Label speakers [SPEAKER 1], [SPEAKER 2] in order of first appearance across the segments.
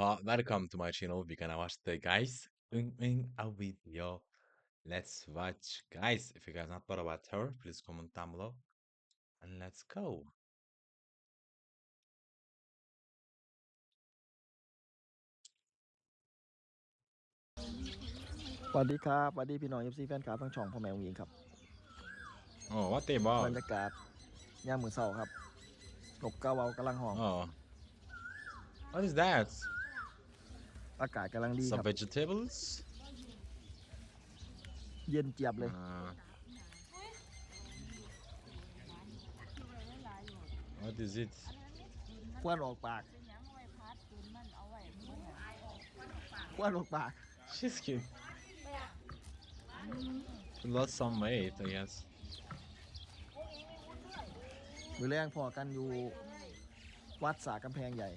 [SPEAKER 1] welcome to my channel. We're gonna watch the guys in a video. Let's watch, guys. If you guys not thought about her, please comment down below and let's go.
[SPEAKER 2] สวัสดีครับสวัสดีพี่น้อง FC แฟนคลับทั้งช่องพ่อแม่วงยิงครับ
[SPEAKER 1] Oh, what they
[SPEAKER 2] บร
[SPEAKER 1] about?
[SPEAKER 2] รยากาศยามมื้อเช้าครับนกกาเว้ากำลังห้อง
[SPEAKER 1] Oh, what is that?
[SPEAKER 2] อากาศกำลังดีค
[SPEAKER 1] Some
[SPEAKER 2] รับ
[SPEAKER 1] vegetables?
[SPEAKER 2] เย็นเจี๊ยบเลย
[SPEAKER 1] What is it?
[SPEAKER 2] ควนออกปากควนออกปาก
[SPEAKER 1] She's cute. She lost some weight, I guess.
[SPEAKER 2] มื้อแรงพอกันอยู่วัดสากำแพงใหญ่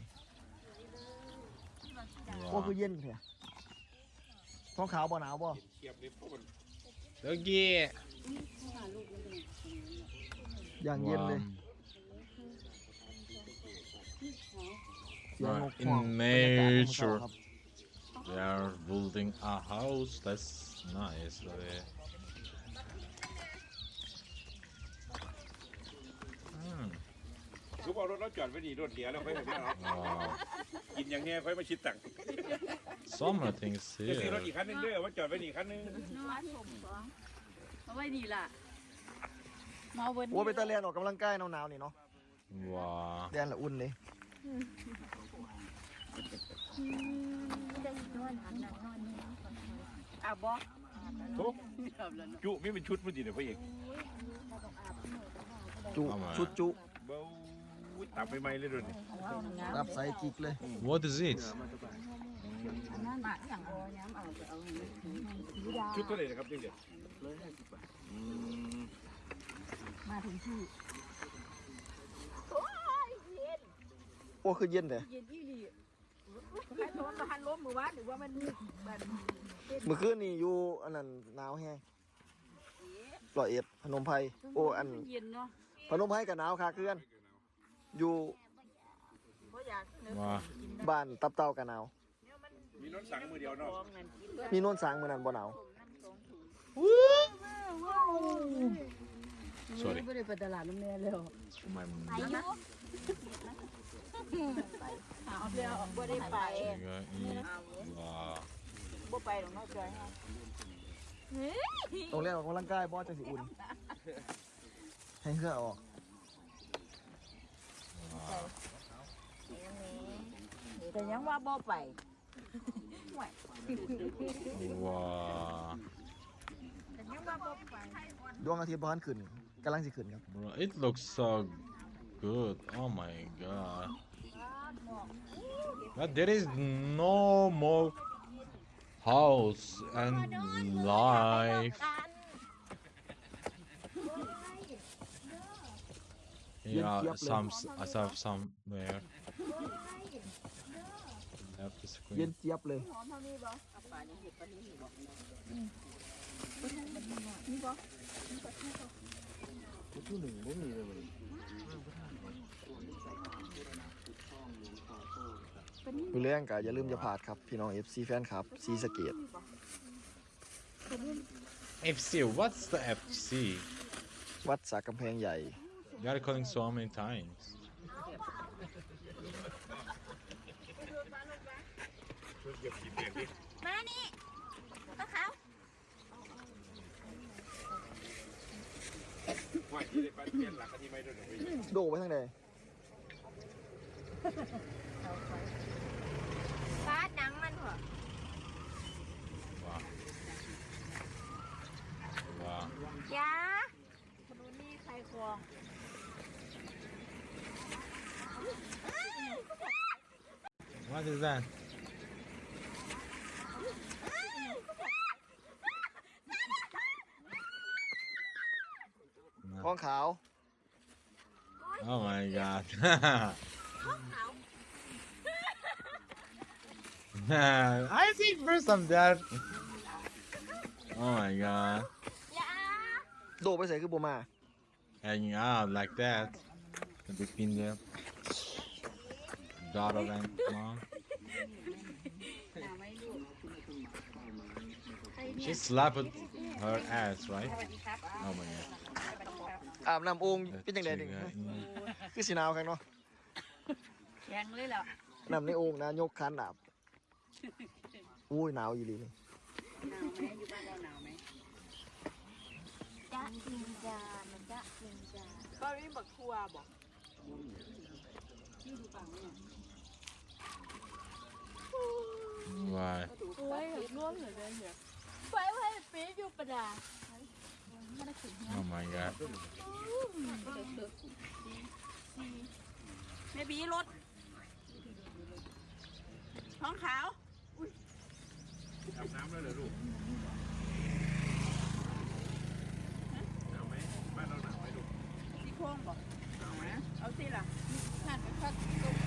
[SPEAKER 2] โอ้
[SPEAKER 1] Wow.
[SPEAKER 2] คือเย็นแท้ท้องขาวบ่หนาวบ่
[SPEAKER 1] Doggy.
[SPEAKER 2] อย่างเย็นเลย
[SPEAKER 1] Wow.
[SPEAKER 2] เสียงนก
[SPEAKER 1] In
[SPEAKER 2] ห้องบรรยากาศยามมื้อเช้า
[SPEAKER 1] nature.
[SPEAKER 2] ครับ
[SPEAKER 1] They are building a house. That's nice. Hmm.
[SPEAKER 3] ทุบเอารถแล้วจอดไว้ดีรถเสียแล้วค่อยเห็นแล้ว
[SPEAKER 1] Wow.
[SPEAKER 3] กินอย่างเงี้ยค่อยมาชิดตังค์
[SPEAKER 1] Some things
[SPEAKER 3] จะซื้อรถ
[SPEAKER 1] here.
[SPEAKER 3] อีกคันหนึงด้วยเอาไว่าจอดไว้นี่คันหนึง
[SPEAKER 4] เอาไว้นี่ล่ะมาวัน
[SPEAKER 2] โอ้ไปตะเลียนออกกำลังกายหนาวๆนี่เนาะ
[SPEAKER 1] Wow.
[SPEAKER 2] แดนละอุ่นเลย
[SPEAKER 4] อาบบ่
[SPEAKER 3] ทุบ
[SPEAKER 4] อาบแล้วเนาะ
[SPEAKER 3] จุไม่เป็นชุดมันดีเลยพ่อเอก
[SPEAKER 2] จุ
[SPEAKER 1] เอามา
[SPEAKER 2] ชุดจุ
[SPEAKER 3] เบ้าตับใหม่ๆเลยด้วยนี่
[SPEAKER 2] รับใส่กิกเลย
[SPEAKER 1] What is it?
[SPEAKER 4] นั่นมาอย่างเอาย้ำเอาไปเอา
[SPEAKER 3] ชุดเท่าไหร่นะครับเด็ก
[SPEAKER 4] มาถึงที่
[SPEAKER 2] โอ้คือเย็นเลย
[SPEAKER 4] เย็นที่ดีใครโดนมาหันล้มมือวะหรือว่ามันแบบ
[SPEAKER 2] เมื่อคืนนี่อยู่อันนั้นหนาวแห้ง101พนมไพรโอ้อัน
[SPEAKER 4] เย็นเนาะ
[SPEAKER 2] พนมไพรกับหนาวค่ะเพื่อนอยู่
[SPEAKER 4] เพราะอยากเนื้อ
[SPEAKER 1] Wow.
[SPEAKER 2] บ้านตับเต่ากับหนาว
[SPEAKER 3] ๆมีน้องสั่งมือเดียวเนาะ
[SPEAKER 4] ของนั่นกิน
[SPEAKER 2] มีโน่นสางมือนั้นบ่หนาว
[SPEAKER 1] Sorry.
[SPEAKER 4] ไม่ได้ไปตลาดน้ำเนื้อเลย
[SPEAKER 1] My
[SPEAKER 4] เอาเรือบ่ได้ไป
[SPEAKER 1] Wow.
[SPEAKER 4] บ่ไปหรอกเนาะจอย
[SPEAKER 2] ตรงเรียกออกกำลังกายบ่จังสิอุ่นให้เครื่องออก
[SPEAKER 4] แต่ยังว่าบ่ไป
[SPEAKER 1] Wow.
[SPEAKER 4] แต่ยังว่าบ่ไป
[SPEAKER 2] ดวงอาทิตย์บ่ทันขึ้นกำลังสิขึ้นครับ
[SPEAKER 1] Bro, it looks so good. Oh my god. But there is no more house and life. Yeah, I saw somewhere. Left the
[SPEAKER 2] เย็น
[SPEAKER 1] screen.
[SPEAKER 2] เจี๊ยบเลย
[SPEAKER 4] หอมเท่านี้บ่เอาปลานี่เห็ดปลานี่บ่นี่บ่
[SPEAKER 2] มือแรงก็อย่าลืมจะพลาดครับพี่น้อง FC แฟนครับซีสะเกต
[SPEAKER 1] FC, what's the FC?
[SPEAKER 2] วัดสากำแพงใหญ่
[SPEAKER 1] You are calling so many times.
[SPEAKER 4] มานี่ก็เขา
[SPEAKER 3] ว่าที่ได้ไปเปลี่ยนหลักอันนี้ไม่ด้วยเดี๋ยวไป
[SPEAKER 2] โดไปทางใด
[SPEAKER 4] ฟาดหนังมันเหรอ
[SPEAKER 1] Wow. Wow.
[SPEAKER 4] ยามาดูนี่ใครควง
[SPEAKER 1] What is that?
[SPEAKER 2] ท้องขาว
[SPEAKER 1] Oh my god. I see first of that. Oh my god.
[SPEAKER 4] ยา
[SPEAKER 2] โดไปใส่คือบ่มา
[SPEAKER 1] Hanging out like that. The big pin there. Daughter and mom. She slapped her ass, right? Oh my god.
[SPEAKER 2] อาบน้ำโอ่งเป็นจังได๋
[SPEAKER 1] Let's
[SPEAKER 2] นี่
[SPEAKER 1] check,
[SPEAKER 2] คือสิหนาวคักเนาะ
[SPEAKER 4] แข็งเลยล่ะ
[SPEAKER 2] น้ำในโอ่งนะยกคันอาบอุ้ยหนาวอีหลีนี่
[SPEAKER 5] จ๊ะจิงจามันจ๊ะจิงจา
[SPEAKER 4] ก็มีบักทัวบอก
[SPEAKER 1] Why?
[SPEAKER 5] ไว้ร่วมเหลือเกินเหรอไว้ปี๊บอยู่ประดา
[SPEAKER 1] Oh my god.
[SPEAKER 4] แม่บีรถท้องขาว
[SPEAKER 3] อาบน้ำแล้วเหรอลูกหนาวไหมบ้านเราหนาวไหมลูก
[SPEAKER 4] ซี่โครงบอก
[SPEAKER 3] หนาวไหม
[SPEAKER 4] เอาสิล่ะ
[SPEAKER 5] หันไปพัด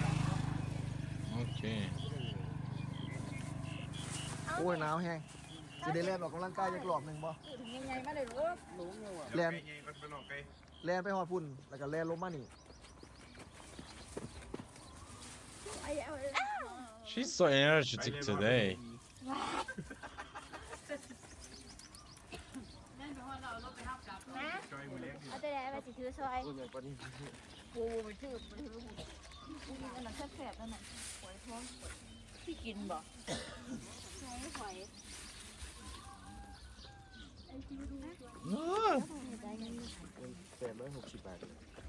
[SPEAKER 1] Okay.
[SPEAKER 2] โอ้ยหนาวแฮงสิได้แล่นออกกำลังกายจักรอบหนึงบ่
[SPEAKER 5] ถึงยังไงมาเลยลูก
[SPEAKER 2] แล่น
[SPEAKER 3] ไงมันเป็นหลอกไกล
[SPEAKER 2] แล่นไปฮอดพุ่นแล้วก็แล่นลงมานี่
[SPEAKER 1] She's so energetic today.
[SPEAKER 5] นะ
[SPEAKER 3] จอยมือเล็ก
[SPEAKER 5] เอาแต่ไหนไปสิถือซอย
[SPEAKER 2] ตัวใหญ่กว่านี้
[SPEAKER 5] โอ้ไปถืออันนั้นแสบๆนั่นน่ะหอยท้อง
[SPEAKER 4] ที่กินบอก
[SPEAKER 5] ใช้หอย
[SPEAKER 1] Ah.
[SPEAKER 5] ได้เงิน
[SPEAKER 2] 860บาท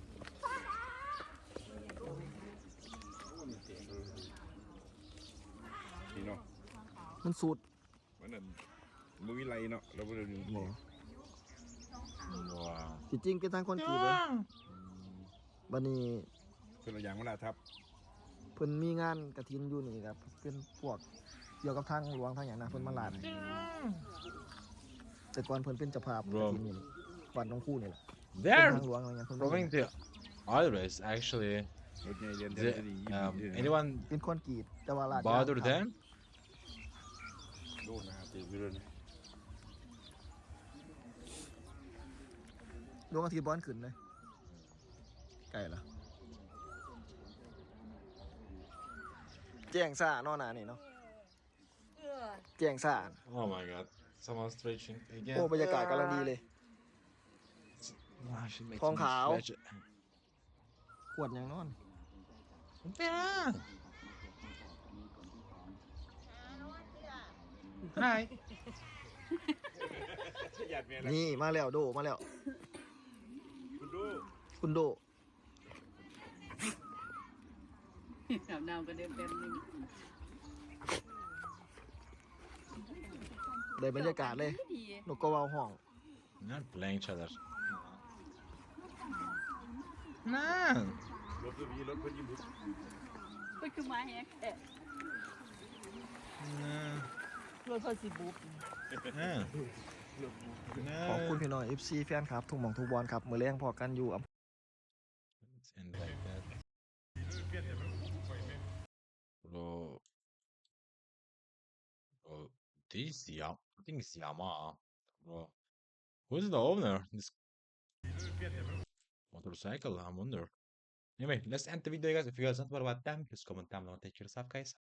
[SPEAKER 3] นี่เนาะ
[SPEAKER 2] มันสูตร
[SPEAKER 3] มันนั่นมือวิไลเนาะเราบ่ได้ดู
[SPEAKER 2] บ่
[SPEAKER 1] Wow.
[SPEAKER 2] ที่จริงเป็นทางคนกรีดเลยบัดนี้
[SPEAKER 3] เป็นตัวอย่างเวลาทับ
[SPEAKER 2] เพิ่นมีงานกฐินอยู่นี่ครับเป็นพวกเกี่ยวกับทางหลวงทางหยังนะเพิ่นมาลาดให้แต่ก่อนเพิ่นเป็นเจ้าภาพกฐินนี่วัดหนองคู่นี่แหละเป็น
[SPEAKER 1] They're
[SPEAKER 2] ทางหลวงอะไรเงี้ยเพิ่นมา
[SPEAKER 1] going to Iris actually.
[SPEAKER 3] รถใหญ่เรียน
[SPEAKER 1] Is it,
[SPEAKER 3] ดี
[SPEAKER 1] anyone
[SPEAKER 2] เป็นคนกรีดแต่ว่าลาด
[SPEAKER 1] bother
[SPEAKER 2] ยาง
[SPEAKER 1] them?
[SPEAKER 3] โดนนะตีไปเลย
[SPEAKER 2] ดวงอาทิตย์บ้อนขึ้นเลยไก่ละแจ้งซ่าเนอหนานี่เนาะแจ้งซ่า
[SPEAKER 1] Oh my god. Someone's stretching
[SPEAKER 2] โอ้
[SPEAKER 1] again.
[SPEAKER 2] บรรยากาศกำลังดีเลย
[SPEAKER 1] Ah, she makes
[SPEAKER 2] ทอง
[SPEAKER 1] me
[SPEAKER 2] ขาว
[SPEAKER 1] stretch it.
[SPEAKER 2] ขวดยังนอน
[SPEAKER 1] Yeah. Hi.
[SPEAKER 3] หยาดเมียละ
[SPEAKER 2] นี่มาแล้วโดมาแล้ว
[SPEAKER 3] คุณดู
[SPEAKER 2] คุณโด
[SPEAKER 4] อาบน้ำก็เดินเป็นนึง
[SPEAKER 2] ได้บรรยากาศเลยนกกระเวาวห้อง
[SPEAKER 1] Not playing each other. No.
[SPEAKER 3] รถตัวนี้รถเพิ่นยิ้มบุ
[SPEAKER 4] ก็คือมาแฮกแอะ
[SPEAKER 1] No.
[SPEAKER 4] รถเขาสิบุบ
[SPEAKER 1] No.
[SPEAKER 2] ขอบคุณ
[SPEAKER 1] No.
[SPEAKER 2] พี่น้อง FC แฟนครับทุกหม่องทุกบอลครับมือแรงพอกันอยู่
[SPEAKER 1] Let's end like that. Bro. Bro. This I think it's Yamaha. Bro. Who's the owner? This motorcycle, I wonder. Anyway, let's end the video, guys. If you guys don't know about them, please comment down below and take yourself, guys.